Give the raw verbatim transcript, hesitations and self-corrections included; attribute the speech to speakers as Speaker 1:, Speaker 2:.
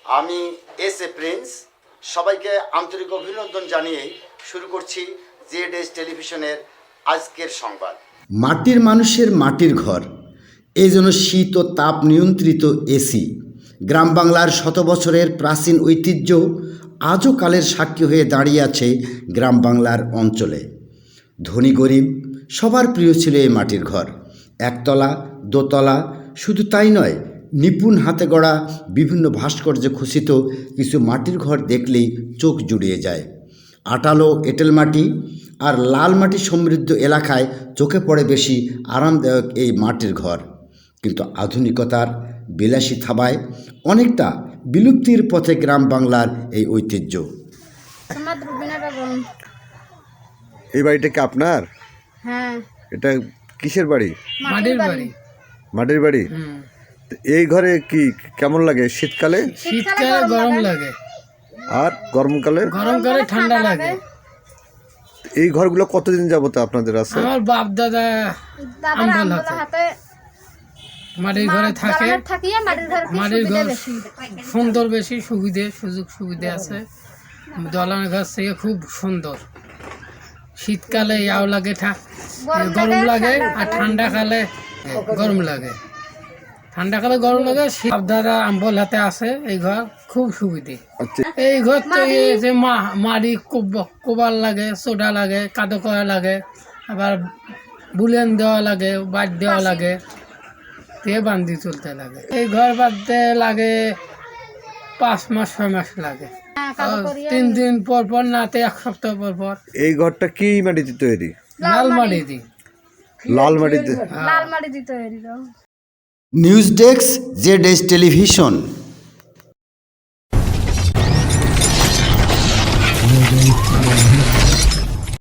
Speaker 1: আমি S A Prince সবাইকে আন্তরিক অভিনন্দন জানিয়ে শুরু করছি জেড এস টেলিভিশনের আজকের সংবাদ।
Speaker 2: মাটির মানুষের মাটির ঘর, এই জন্য শীত ও তাপ নিয়ন্ত্রিত এসি। গ্রাম বাংলার শত বছরের প্রাচীন ঐতিহ্য আজও কালের সাক্ষী হয়ে দাঁড়িয়ে আছে গ্রাম বাংলার অঞ্চলে। ধনী গরিব সবার প্রিয় ছিল এই মাটির ঘর। একতলা দোতলা, শুধু তাই নয়, নিপুণ হাতে গড়া বিভিন্ন ভাস্কর্যে খচিত কিছু মাটির ঘর দেখলেই চোখ জুড়িয়ে যায়। আটালো এঁটেল মাটি আর লাল মাটি সমৃদ্ধ এলাকায় চোখে পড়ে বেশি আরামদায়ক এই মাটির ঘর, কিন্তু আধুনিকতার বিলাসী থাবায় অনেকটা বিলুপ্তির পথে গ্রাম বাংলার এই ঐতিহ্য।
Speaker 3: এই বাড়িটা কি আপনার?
Speaker 4: হ্যাঁ,
Speaker 3: এটা কিসের বাড়ি?
Speaker 4: মাটির বাড়ি।
Speaker 3: মাটির বাড়ি। তো এই ঘরে কি কেমন লাগে শীতকালে?
Speaker 4: শীতকালে গরম লাগে,
Speaker 3: আর গরমকালে?
Speaker 4: গরমকালে ঠান্ডা লাগে।
Speaker 3: এই ঘরগুলো কতদিন যাবত আপনাদের আছে?
Speaker 4: আমার বাপ দাদা আম্বল হাতে মাটির ঘরে থাকে। মাটির ঘর সুন্দর, বেশি সুবিধে সুযোগ সুবিধা আছে। দলান ঘর থেকে খুব সুন্দর। শীতকালে ইয়াও লাগে, গরম লাগে, আর ঠান্ডাকালে গরম লাগে। ঠান্ডাকালে গরম লাগে। বাপ দাদা আম্বল হাতে আছে, এই ঘর খুব সুবিধে। এই ঘর তো এই যে মাড়ি কোবাল লাগে, সোডা লাগে, কাদো করা লাগে, আবার বুলেন দেওয়া লাগে, বাদ দেওয়া লাগে, তে বান্ধি চলতে লাগে। এই ঘর বাঁধতে লাগে পাঁচ মাস ছয় মাস লাগে। তিন দিন পর পর নাতে এক সপ্তাহ পর পর।
Speaker 3: এই ঘরটা কি মাটিতে তৈরি?
Speaker 4: লাল মাটি দি
Speaker 3: লাল মাটিতে
Speaker 4: লাল মাটি দি তৈরি।
Speaker 2: News desk, Z S television.